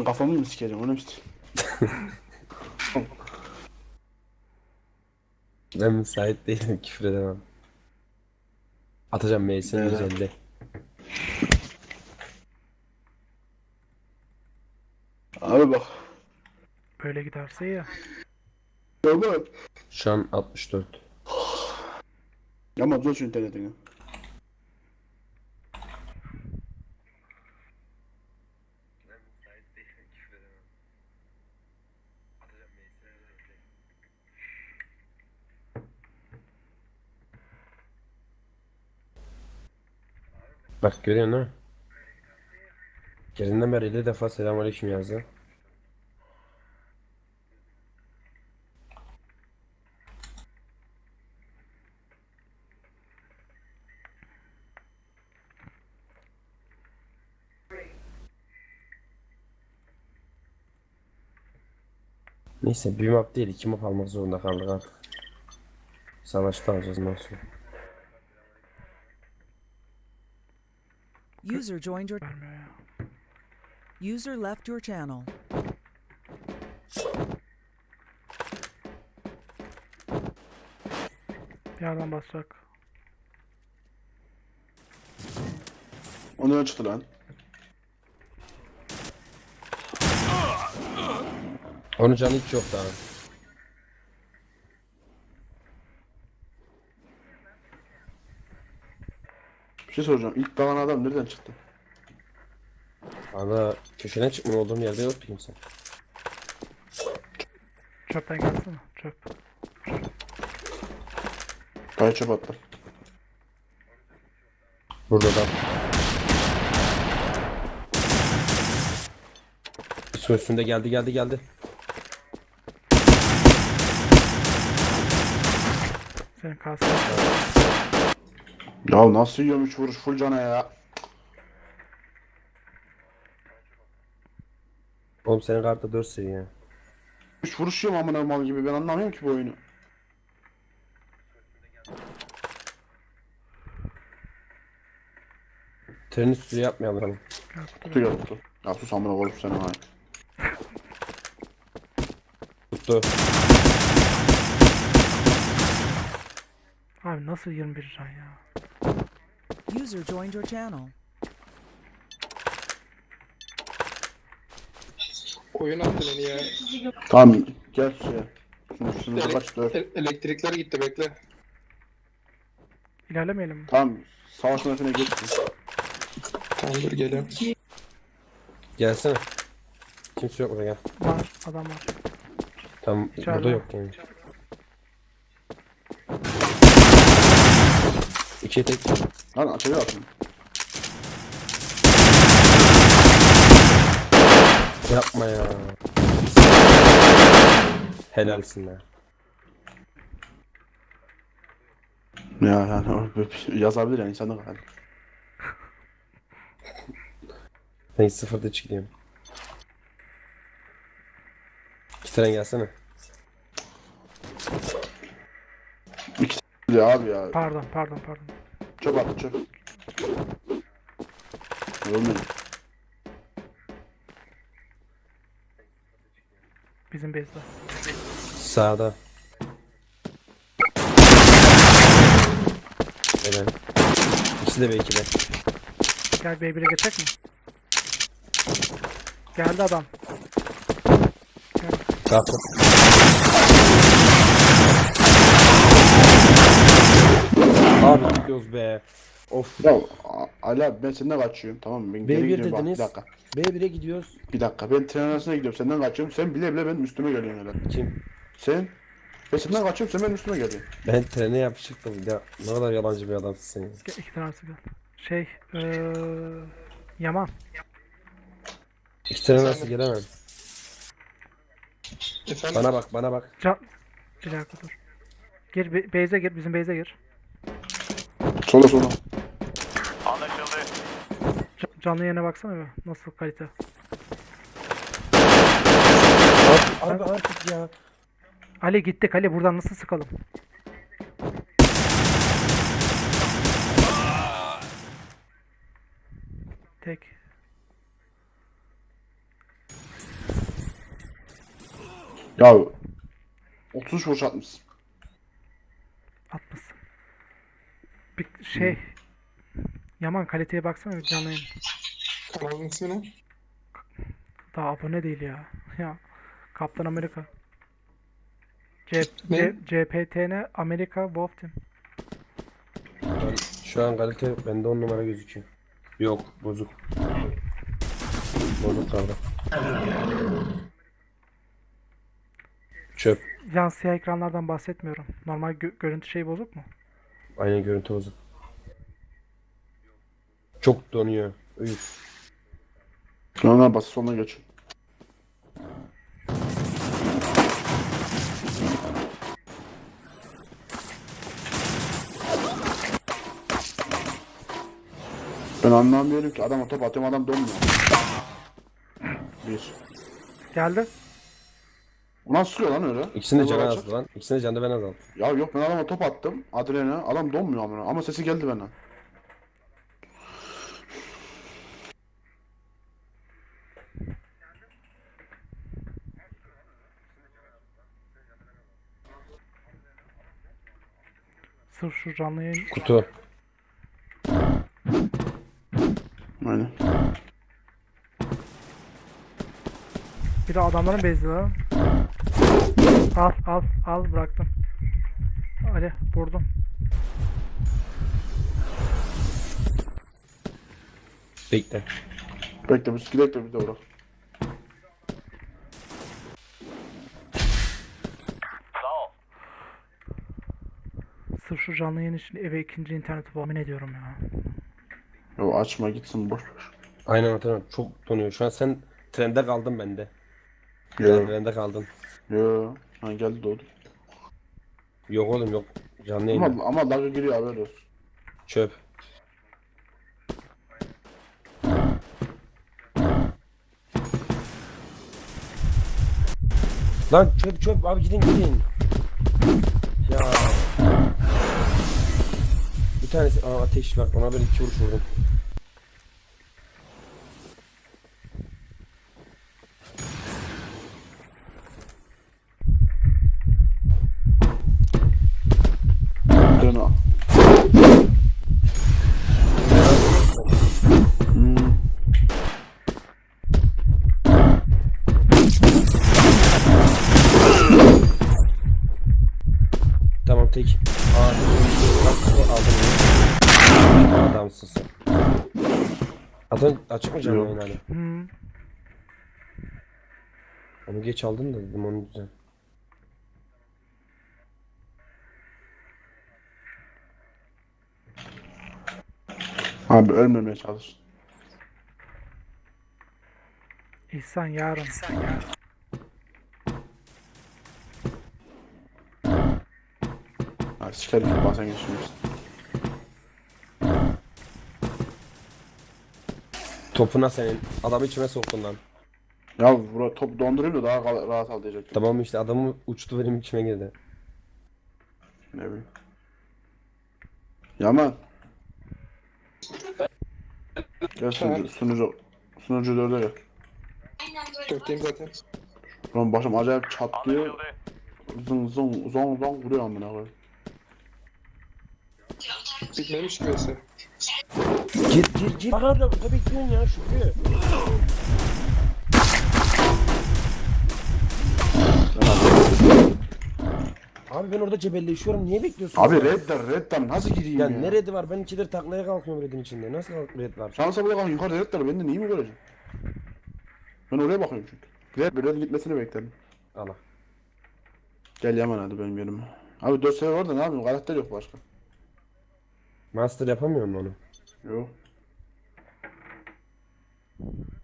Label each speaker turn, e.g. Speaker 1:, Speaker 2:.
Speaker 1: Senin kafamı mı sikeceğim onu işte.
Speaker 2: Ben müsait değilim, küfür edemem. Atacağım Mace'in
Speaker 1: Böyle.
Speaker 2: 150.
Speaker 1: Abi bak.
Speaker 3: Böyle giderse ya.
Speaker 1: Tamam.
Speaker 2: Şu an 64.
Speaker 1: Ama zor şu internetini.
Speaker 2: Bak görüyorsun ha. Gelinden beri 50 defa selamünaleyküm yazdı. Neyse bir map değil, 2 map almak zorunda kaldık artık. Savaşta alacağız nasıl?
Speaker 4: User joined your
Speaker 3: Vermiyor ya.
Speaker 4: user left your channel.
Speaker 3: Bir yerden basacak.
Speaker 1: Onu öyle çıktı lan.
Speaker 2: Onun canı hiç yok daha.
Speaker 1: Bir şey soracağım. İlk dalan adam nereden çıktı?
Speaker 2: Valla köşeden çıkma olduğum yerde yoktu kimse.
Speaker 3: Çöpten gelsene. Çöp.
Speaker 1: Kaya çöp attı.
Speaker 2: Burada da. Su üstünde geldi.
Speaker 3: Senin kalsın.
Speaker 1: Ya nasıl yiyorum 3 vuruş full cana ya.
Speaker 2: Oğlum senin kartta 4 seviye.
Speaker 1: 3 vuruş yiyorum amına mal gibi ben anlamıyorum ki bu oyunu.
Speaker 2: Trenin üstü yapmayalım.
Speaker 1: Kutu gel kutu. Ya sus amına koyup seni ha.
Speaker 2: Tuttu.
Speaker 3: Abi nasıl 21 can ya?
Speaker 4: User joined your channel.
Speaker 5: Oyun attı beni ya.
Speaker 1: Tamam gel şuraya. Şunu kaç 4.
Speaker 5: Elektrikler gitti bekle.
Speaker 3: İlerlemeyelim mi?
Speaker 1: Tamam savaş yönetimine geçsin.
Speaker 5: Tamam dur geliyorum.
Speaker 2: Gelsene. Kimse yok burada gel.
Speaker 3: Var. Adam var.
Speaker 2: Tam
Speaker 3: İçeride.
Speaker 2: burada yok yani. İkiye tek.
Speaker 1: Lan açıyor atın.
Speaker 2: Yapma ya. Helalsin be.
Speaker 1: Ya yani yazabilir yani insanlık hali.
Speaker 2: Ben 0'da çıkayım. 2 tren gelsene.
Speaker 1: Ya abi ya.
Speaker 3: Pardon.
Speaker 1: Çöp attı çöp. Ölmedim.
Speaker 3: Bizim base'de.
Speaker 2: Sağda. Helal. İkisi de belki de.
Speaker 3: Gel B1'e geçecek mi? Geldi adam.
Speaker 2: Kalktı. Abi gidiyoruz be. Of.
Speaker 1: Ya Ali abi ben senden kaçıyorum tamam mı? Ben geri
Speaker 2: B1
Speaker 1: gidiyorum bak bir
Speaker 2: dediniz.
Speaker 1: dakika.
Speaker 2: B1'e gidiyoruz.
Speaker 1: Bir dakika ben tren arasına gidiyorum senden kaçıyorum sen bile bile benim üstüme geliyorsun herhalde.
Speaker 2: Kim?
Speaker 1: Sen? Ben senden kaçıyorum sen benim üstüme geliyorsun.
Speaker 2: Ben trene yapışıktım. Ya ne kadar yalancı bir adamsın sen. Ya.
Speaker 3: Gel, iki tanesi gel. Şey, Yaman.
Speaker 2: İki tren arası gelemem.
Speaker 5: Efendim?
Speaker 2: Bana bak.
Speaker 3: Bir dakika dur. Gir, base'e gir, bizim base'e gir.
Speaker 1: Sola.
Speaker 3: Canlı yerine baksana bir. Nasıl kalite.
Speaker 2: Abi artık ya.
Speaker 3: Ali gittik, Ali buradan nasıl sıkalım? Tek.
Speaker 1: Ya 33 vuruş atmışsın.
Speaker 3: Atmasın. Bir şey. Yaman kaliteye baksana bir canlı yayın.
Speaker 5: Kanalın ismi ne?
Speaker 3: Daha abone değil ya. Ya. Kaptan Amerika.
Speaker 5: Ne?
Speaker 3: CPTN Amerika Wolf Team.
Speaker 2: Ben, şu an kalite bende 10 numara gözüküyor. Yok bozuk. Bozuk kaldı. Çöp.
Speaker 3: Yan siyah ekranlardan bahsetmiyorum. Normal görüntü şey bozuk mu?
Speaker 2: Aynen görüntü bozuk. Çok donuyor. Üf.
Speaker 1: Sonra basit sonuna geç. Ben anlamıyorum ki adama top atıyorum adam donmuyor. Bir.
Speaker 3: Geldi.
Speaker 1: O nasıl sıkıyor lan öyle?
Speaker 2: İkisini de
Speaker 1: Olur
Speaker 2: canı
Speaker 1: açık.
Speaker 2: azdı lan. İkisini de canı ben azaldım.
Speaker 1: Ya yok ben adama top attım. Adrene adam donmuyor ama sesi geldi bana.
Speaker 3: Sırf şu canlı yayın.
Speaker 2: Kutu.
Speaker 1: Aynen.
Speaker 3: Bir de adamların bezdi lan. Al bıraktım. Ali vurdum.
Speaker 2: Bekle.
Speaker 1: Bekle biz gidelim de bir de uğrak.
Speaker 3: Sırf şu canlı yayın için eve ikinci interneti bağımın ediyorum ya.
Speaker 1: Yo açma gitsin boş ver.
Speaker 2: Aynen hatırlıyorum. Çok donuyor. Şu an sen trende kaldın bende.
Speaker 1: Yo
Speaker 2: Trende kaldın.
Speaker 1: yo. Ha geldi doğdu.
Speaker 2: Yok oğlum yok. Canlı yayında.
Speaker 1: Ama dalga giriyor haber olsun.
Speaker 2: Çöp. Lan çöp abi gidin. Ya. Bir tanesi ateş var. Ona böyle 2 vuruş vurdum.
Speaker 1: Dön al.
Speaker 2: Tamam tek. Aldım. Adamsın sen. Adam açık mı canlı
Speaker 1: Yok.
Speaker 2: yayın hala?
Speaker 3: Hmm.
Speaker 2: Onu geç aldın da dedim onu güzel.
Speaker 1: Abi ölmemeye çalış.
Speaker 3: İhsan yarın.
Speaker 1: Ha sikerim ki basen geçmiyorsun.
Speaker 2: Topuna senin. Adamı içime soktun lan.
Speaker 1: Ya top dondurayım da daha rahat al diyecektim.
Speaker 2: Tamam işte adamı uçtu benim içime girdi.
Speaker 1: Ne bileyim. Yaman. Gel sunucu 4'e gel.
Speaker 5: Dörtteyim zaten.
Speaker 1: Lan başım acayip çatlıyor. Zong vuruyor amına koyayım.
Speaker 5: Bitmemiş ki mesela.
Speaker 2: Gir. Bak orada bekliyorsun ya Şükrü. Abi ben orada cebelleşiyorum. Niye bekliyorsun?
Speaker 1: Abi
Speaker 2: ya?
Speaker 1: redden nasıl gireyim
Speaker 2: Ya
Speaker 1: ya?
Speaker 2: ne redi var? Ben 2'dir taklaya kalkıyorum redin içinde. Nasıl red var?
Speaker 1: Şansa bırakalım yukarıda redler ben de neyi mi göreceğim? Ben oraya bakıyorum çünkü. Red gitmesini bekledim.
Speaker 2: Allah.
Speaker 1: Gel Yaman hadi benim yerime. Abi 4 sefer var da ne yapayım karakter yok başka.
Speaker 2: Master yapamıyor mu onu?
Speaker 1: Yok.